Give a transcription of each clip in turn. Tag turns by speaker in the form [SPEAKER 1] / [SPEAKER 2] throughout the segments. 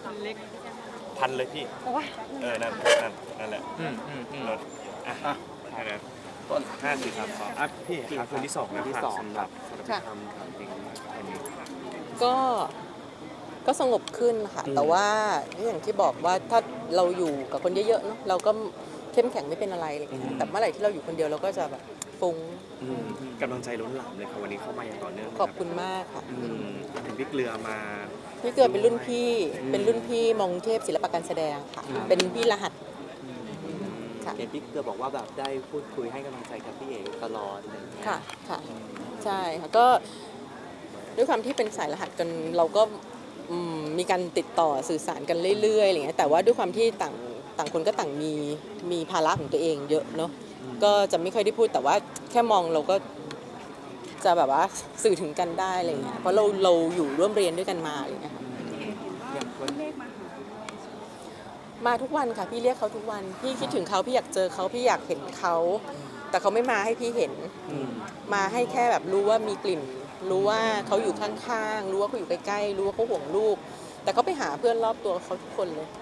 [SPEAKER 1] เล็ก
[SPEAKER 2] พันเลยพี่
[SPEAKER 1] โอ้ย
[SPEAKER 2] นั่นแหละรถอ่ะแค่นั้นต้น5 4 3 2พี่ครับคืนที่2นะครับสำหรับทำจริงวันนี้
[SPEAKER 3] ก็สงบขึ้นค่ะแต่ว่าอย่างที่บอกว่าถ้าเราอยู่กับคนเยอะๆเนาะเราก็เข้มแข็งไม่เป็นอะไรเลยแต่เมื่อไหร่ที่เราอยู่คนเดียวเราก็จะแบบฟุ้ง
[SPEAKER 2] กำลังใจล้นหลามเลยครับวันนี้เข้ามาอย่างต่อเนื่อง
[SPEAKER 3] ขอบคุณมากค่ะ
[SPEAKER 2] ถึงพี่เกลือมา
[SPEAKER 3] พี่เกลือเป็นรุ่นพี่มองเทพศิลปะการแสดงค่ะเป็นพี่รหัส
[SPEAKER 4] เห็นพี่เกลือบอกว่าแบบได้พูดคุยให้กำลังใจกับพี่เอกตลอดอะไรอย่างเงี้ย
[SPEAKER 3] ค่ะใช่ค่ะก็ด้วยความที่เป็นสายรหัสกันเราก็มีการติดต่อสื่อสารกันเรื่อยๆอะไรเงี้ยแต่ว่าด้วยความที่ต่างคนก็ต่างมีภาระของตัวเองเยอะเนาะก็จะไม่ค่อยได้พูดแต่ว่าแค่มองเราก็จะแบบว่าสื่อถึงกันได้อะไรเงี้ยเพราะเราอยู่ร่วมเรียนด้วยกันมาอะไรเงี้ยมาทุกวันค่ะพี่เรียกเขาทุกวันพี่คิดถึงเขาพี่อยากเจอเขาพี่อยากเห็นเขาแต่เขาไม่มาให้พี่เห็นมาให้แค่แบบรู้ว่ามีกลิ่นรู้ว่าเขาอยู่ข้างๆรู้ว่าเขาอยู่ใกล้ๆรู้ว่าเขาห่วงลูกแต่เขาไปหาเพื่อนรอบตัวเขาทุกคนเลย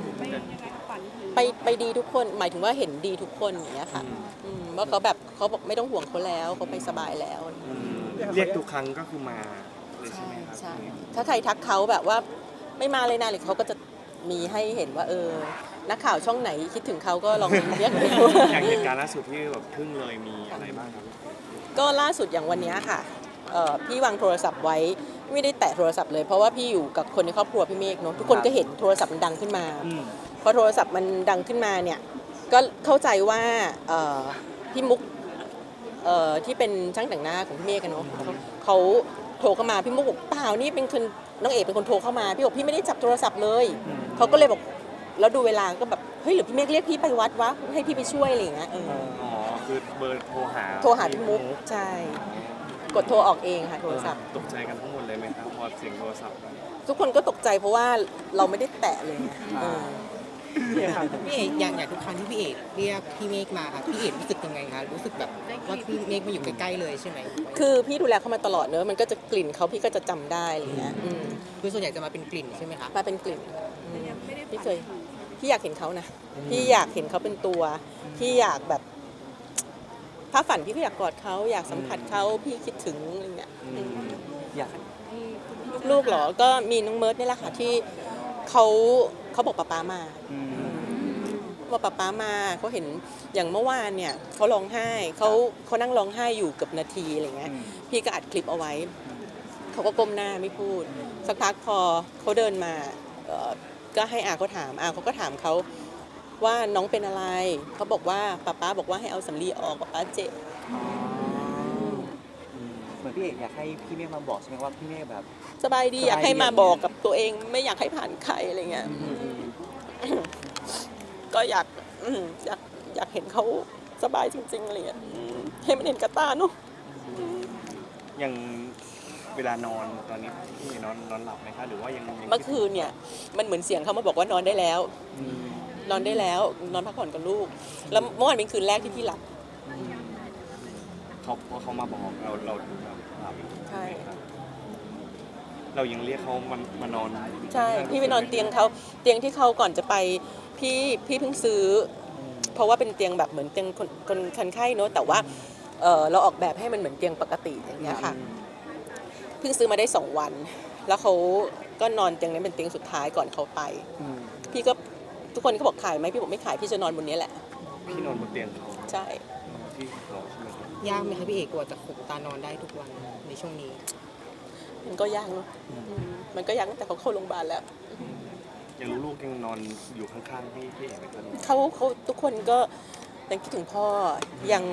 [SPEAKER 3] ไปดีทุกคนหมายถึงว่าเห็นดีทุกคนอย่างเงี้ยค่ะว่าเขาแบบเขาบอกไม่ต้องห่วงเขาแล้วเขาไปสบายแล้ว
[SPEAKER 2] เรียกทุกครั้งก็คือมาเลยใช่ไหมครับ
[SPEAKER 3] ใช่ถ้าใครทักเขาแบบว่าไม่มาเลยนะหรือเขาก็จะมีให้เห็นว่านักข่าวช่องไหนคิดถึงเขาก็ลองเรียกดู
[SPEAKER 2] อย่างเหตุการณ์ล่าสุดที่แบบทึ่งเลยมีอะไรบ้างครับ
[SPEAKER 3] ก็ล่าสุดอย่างวันนี้ค่ะพี่วางโทรศัพท์ไว้ไม่ได้แตะโทรศัพท์เลยเพราะว่าพี่อยู่กับคนในครอบครัวพี่เมฆเนาะทุกคนก็เห็นโทรศัพท์มันดังขึ้นมาพอโทรศัพท์มันดังขึ้นมาเนี่ยก็เข้าใจว่าพี่มุกที่เป็นช่างแต่งหน้าของพี่เมฆกันเนาะเขาโทรเข้ามาพี่มุกบอกเปล่านี่เป็นคนน้องเอกเป็นคนโทรเข้ามาพี่บอกพี่ไม่ได้จับโทรศัพท์เลยเขาก็เลยบอกแล้วดูเวลาก็แบบเฮ้ยหรือพี่เมฆเรียกพี่ไปวัดวะให้พี่ไปช่วยอะไรอย่างเงี้ย
[SPEAKER 2] คือเบอร์โทรหา
[SPEAKER 3] พี่มุกใช่กดโทรออกเองค่ะโทรศัพท์
[SPEAKER 2] ตกใจกันทั้งหมดเลยไหมครับพอเสียงโทรศัพท์
[SPEAKER 3] ทุกคนก็ตกใจเพราะว่าเราไม่ได้แตะเลย
[SPEAKER 1] พี่เอกอย่างทุกครั้งที่พี่เอกเรียกพี่เมฆมาค่ะพี่เอกรู้สึกยังไงคะรู้สึกแบบว่าพี่เมฆมาอยู่ใกล้ๆเลยใช่ไหม
[SPEAKER 3] คือพี่ดูแลเขามาตลอดเนอะมันก็จะกลิ่นเขาพี่ก็จะจำได้อะไรเงี้ย
[SPEAKER 1] คือส่วนใหญ่จะมาเป็นกลิ่นใช่ไหมคะ
[SPEAKER 3] มาเป็นกลิ่นพี่อยากเห็นเขานะพี่อยากเห็นเขาเป็นตัวพี่อยากแบบถ้าฝันพี่ก็อยากกอดเขาอยากสัมผัสเขาพี่คิดถึงอะไรเงี้ย
[SPEAKER 4] อยาก
[SPEAKER 3] ลูกเหรอก็มีน้องเมิร์ดนี่แหละค่ะที่เขาบอกป๊ามาว่าป๊ามาเขาเห็นอย่างเมื่อวานเนี่ยเขาร้องไห้เขานั่งร้องไห้อยู่เกือบนาทีอะไรเงี้ยพี่ก็อัดคลิปเอาไว้เขาก็ก้มหน้าไม่พูดสักพักพอเขาเดินมาก็ให้อาเขาถามเขาก็ถามเขาว่าน้องเป็นอะไรเขาบอกว่าป๊าบอกว่าให้เอาสำลีออกป๊าเจ็บ
[SPEAKER 4] เหมือนพี่เอกอยากให้พี่เมฆมาบอกใช่ไหมว่าพี่เมฆแบบ
[SPEAKER 3] สบายดีอยากให้มาบอกกับตัวเองไม่อยากให้ผ่านใครอะไรเงี้ยก็อยากเห็นเขาสบายจริงๆอะไรเงี้ยให้มันเห็นกระตาเนาะ
[SPEAKER 2] อย่างเวลานอนตอนนี้พี่นอนหลับไหมคะหรือว่ายัง
[SPEAKER 3] เมื่อคืนเนี่ยมันเหมือนเสียงเขามาบอกว่านอนได้แล้วนอนพักผ่อนกับลูกแล้วเมื่อวานเป็นคืนแรกที่พี่หลับ
[SPEAKER 2] เขามาบอกเราหลับ
[SPEAKER 3] ใช่
[SPEAKER 2] เรายังเรียกเขามานอน
[SPEAKER 3] ใช่พี่ไปนอนเตียงที่เขาก่อนจะไปพี่เพิ่งซื้อเพราะว่าเป็นเตียงแบบเหมือนเตียงคนไข้เนอะแต่ว่าเราออกแบบให้มันเหมือนเตียงปกติอย่างเงี้ยค่ะเพิ่งซื้อมาได้2 วันแล้วเขาก็นอนเตียงนั้นเป็นเตียงสุดท้ายก่อนเขาไปพี่ก็ทุกคนก็บอกขายไหมพี่บอกไม่ขายพี่จะนอนบนนี้แหละ
[SPEAKER 2] พี่นอนบนเตียงเขา
[SPEAKER 3] ใช่
[SPEAKER 2] ที่เขาใช่ไหม
[SPEAKER 1] ยากไหมคะพี่เอกกว่าจะขุกตานอนได้ทุกวันในช่วงนี้
[SPEAKER 3] มันก็ยากเนาะมันก็ยากตั้งแต่เขาเข้าโรงพยาบาลแล้ว
[SPEAKER 2] ยังลูกยังนอนอยู่ข้างๆพี่เอกไหมครับ
[SPEAKER 3] เขาทุกคนก็ยังคิดถึงพ่อยัง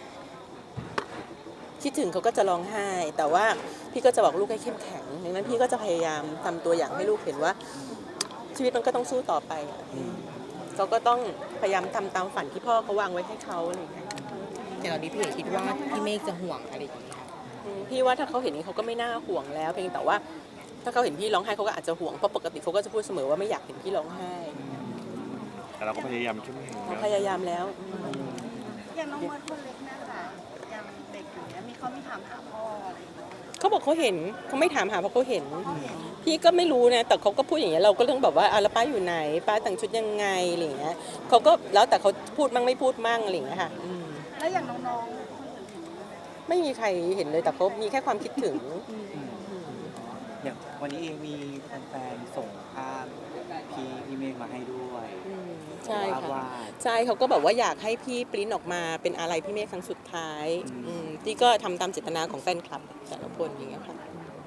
[SPEAKER 3] คิดถึงเขาก็จะร้องไห้แต่ว่าพี่ก็จะบอกลูกให้เข้มแข็งดังนั้นพี่ก็จะพยายามทำตัวอย่างให้ลูกเห็นว่าชีวิตมันก็ต้องสู้ต่อไปเขาก็ต้องพยายามทำตามฝันที่พ่อเขาวางไว้ให้เขาอะไรอย่างเงี้ย
[SPEAKER 1] แต่ตอนนี้พี่เอกคิดว่าพี่เมฆจะห่วงอะไรอย่างเงี้ย
[SPEAKER 3] พี่ว่าถ้าเขาเห็นนี้เขาก็ไม่น่าห่วงแล้วเพียงแต่ว่าถ้าเขาเห็นพี่ร้องไห้เขาก็อาจจะห่วงเพราะปกติเขาก็จะพูดเสมอว่าไม่อยากเห็นพี่ร้องไห้
[SPEAKER 2] แต่เราก็พยายามเข้มแข็ง
[SPEAKER 3] พยายามแล้ว
[SPEAKER 5] อย่างน้องเมิร์ดคนเล็กเนี่ยค่ะยังเด็กอยู่เนี่ยเขามีถามหาพ่ออะไร
[SPEAKER 3] เขาบอกเขาเห็นเขาไม่ถามหาเพราะเขาเห็น พี่ก็ไม่รู้นะแต่เขาก็พูดอย่างเงี้ยเราก็ต้องแบบว่าแล้วป้าอยู่ไหนป้าแต่งชุดยังไงอะไรอย่างเงี้ยเขาก็แล้วแต่เขาพูดมั่งไม่พูดมั่งอะไรอย่างเงี้ยค่ะ
[SPEAKER 5] แล้วอย่างน้อง
[SPEAKER 3] ไม่มีใครเห็นเลยแต่เขามีแค่ความคิดถึง
[SPEAKER 4] อย่างวันนี้เองมีแฟนๆส่งภาพพี่เมฆมาให้ด้วย
[SPEAKER 3] ใช่ค่ะ
[SPEAKER 4] ว่า
[SPEAKER 3] ใช่เขาก็บอกว่าอยากให้พี่ปริ้นออกมาเป็นอะไรพี่เมฆครั้งสุดท้ายที่ก็ทำตามเจตนาของแฟนคลับแต่ละคนอย่างเงี้ยค่ะ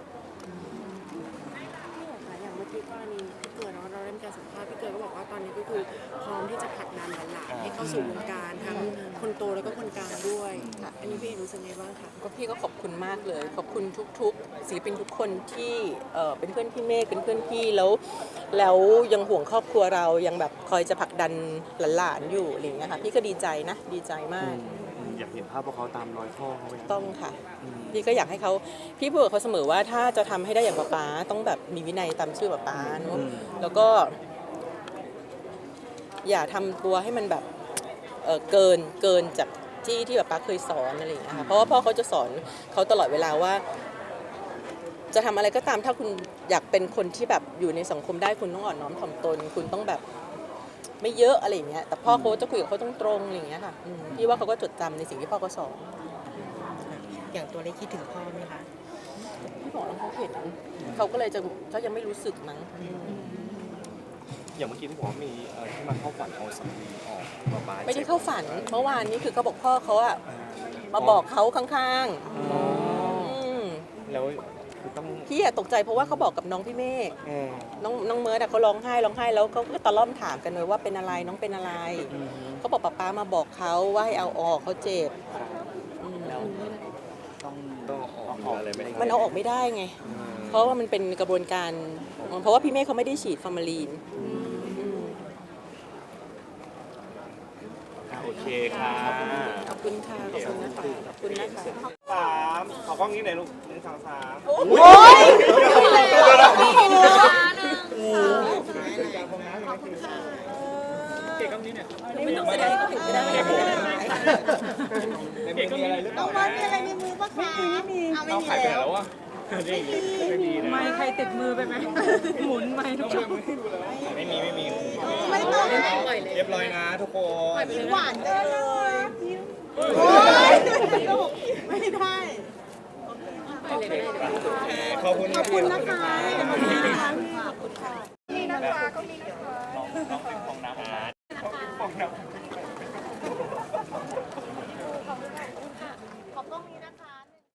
[SPEAKER 5] อย่างเมื่อกี้กรณีพี่เกิดเนาะเราได้มีการสัมภาษณ์พี่เกิดก็บอกว่าตอนนี้ก็คือพร้อมที่จะผลักดันหลานๆให้เข้าสู่วงการทั้งคนโตแล้วก็คนกลางด้วยอันนี้พี่เอกรู้สึกไงบ้างคะ
[SPEAKER 3] ก็พี่ก็ขอบคุณมากเลยขอบคุณทุกๆศิลปินทุกคนที่เป็นเพื่อนพี่เมฆเป็นเพื่อนพี่แล้วยังห่วงครอบครัวเรายังแบบคอยจะผลักดันหลานๆอยู่อะไรอย่างเงี้ยค่ะพี่ก็ดีใจนะดีใจมาก
[SPEAKER 2] อยากเห็นภาพพวกเขาตามรอยพ่อเขาไหม
[SPEAKER 3] ต้องค่ะพี่ก็อยากให้เขาพี่พูดกับเขาเสมอว่าถ้าจะทำให้ได้อย่างป๊าต้องแบบมีวินัยตามชื่อป๊าเนอะแล้วก็ อย่าทำตัวให้มันแบบเกินจากที่ป๊าเคยสอนอะไรอย่างเงี้ยค่ะเพราะว่าพ่อเขาจะสอนเขาตลอดเวลาว่า จะทำอะไรก็ตามถ้าคุณอยากเป็นคนที่แบบอยู่ในสังคมได้คุณต้องอ่อนน้อมถ่อมตน คุณต้องแบบไม่เยอะอะไรอย่างเงี้ยแต่พ่อเขาจะคุยกับเขาตรงๆอะไรอย่างเงี้ยค่ะพี่ว่าเขาก็จดจำในสิ่งที่พ่อเขาสอน
[SPEAKER 1] อย่างตัวเล็กคิดถึงพ่อไหมคะ
[SPEAKER 3] พี่บอกแล้วเขาเห็นเขาก็เลยจะเขายังไม่รู้สึกมั้ง
[SPEAKER 2] อย่างเมื่อกี้ที่บอกว่ามีที่มาเข้าฝันเอาสามีออกมาบาย
[SPEAKER 3] ไม่ได้เข้าฝันเมื่อวานนี้คือเขาบอกพ่อเขาอะมาบอกเขาข้างๆ
[SPEAKER 2] แล้วคือต้อง
[SPEAKER 3] พี่อะตกใจเพราะว่าเขาบอกกับน้องพี่เมฆน้องเมิร์ดอะเขาร้องไห้แล้วเขาก็ตะล่อมถามกันเลยว่าเป็นอะไรน้องเป็นอะไรเขาบอกป๊ามาบอกเขาว่าให้เอาออกเขาเจ็บ
[SPEAKER 4] แล้วต้อง
[SPEAKER 2] ออกอะไรไหม
[SPEAKER 3] มันเอาออกไม่ได้ไง เพราะว่ามันเป็นกระบวนการเพราะว่าพี่เมฆเขาไม่ได้ฉีดฟอร์มาลีน
[SPEAKER 2] โอเคค่ะ
[SPEAKER 3] ขอบคุณค่ะขอบคุณนะคะขอบคุณนะคะ
[SPEAKER 2] ขอกล้องนี้หน่อยลูก1 2 3
[SPEAKER 3] โอ้ยไม่ต้องแสดงให้เขาเห็นก็ได้ไม่เป็นไร
[SPEAKER 2] มีอะไรหรือเปล่า
[SPEAKER 5] น้องวันมีอะไรในมือปะคะไม่มีไม่มีแล้ว
[SPEAKER 2] ไม่มีนะ
[SPEAKER 6] ไม่ใครติดมือไปไหม หมุนไม่ทุกคน
[SPEAKER 2] ไม่มี
[SPEAKER 5] ไม่ต้อง
[SPEAKER 2] เรียบร้อยนะทุกคน
[SPEAKER 5] หวานจังเลยโอ้ยไม่ได้
[SPEAKER 2] ขอบคุณครับพี่
[SPEAKER 5] นะคะขอบคุณนะคะขอบคุณค่ะนี่นะคะก็มีนะคะ
[SPEAKER 2] ของน้ำ
[SPEAKER 5] ขอบกล้องนี้นะคะ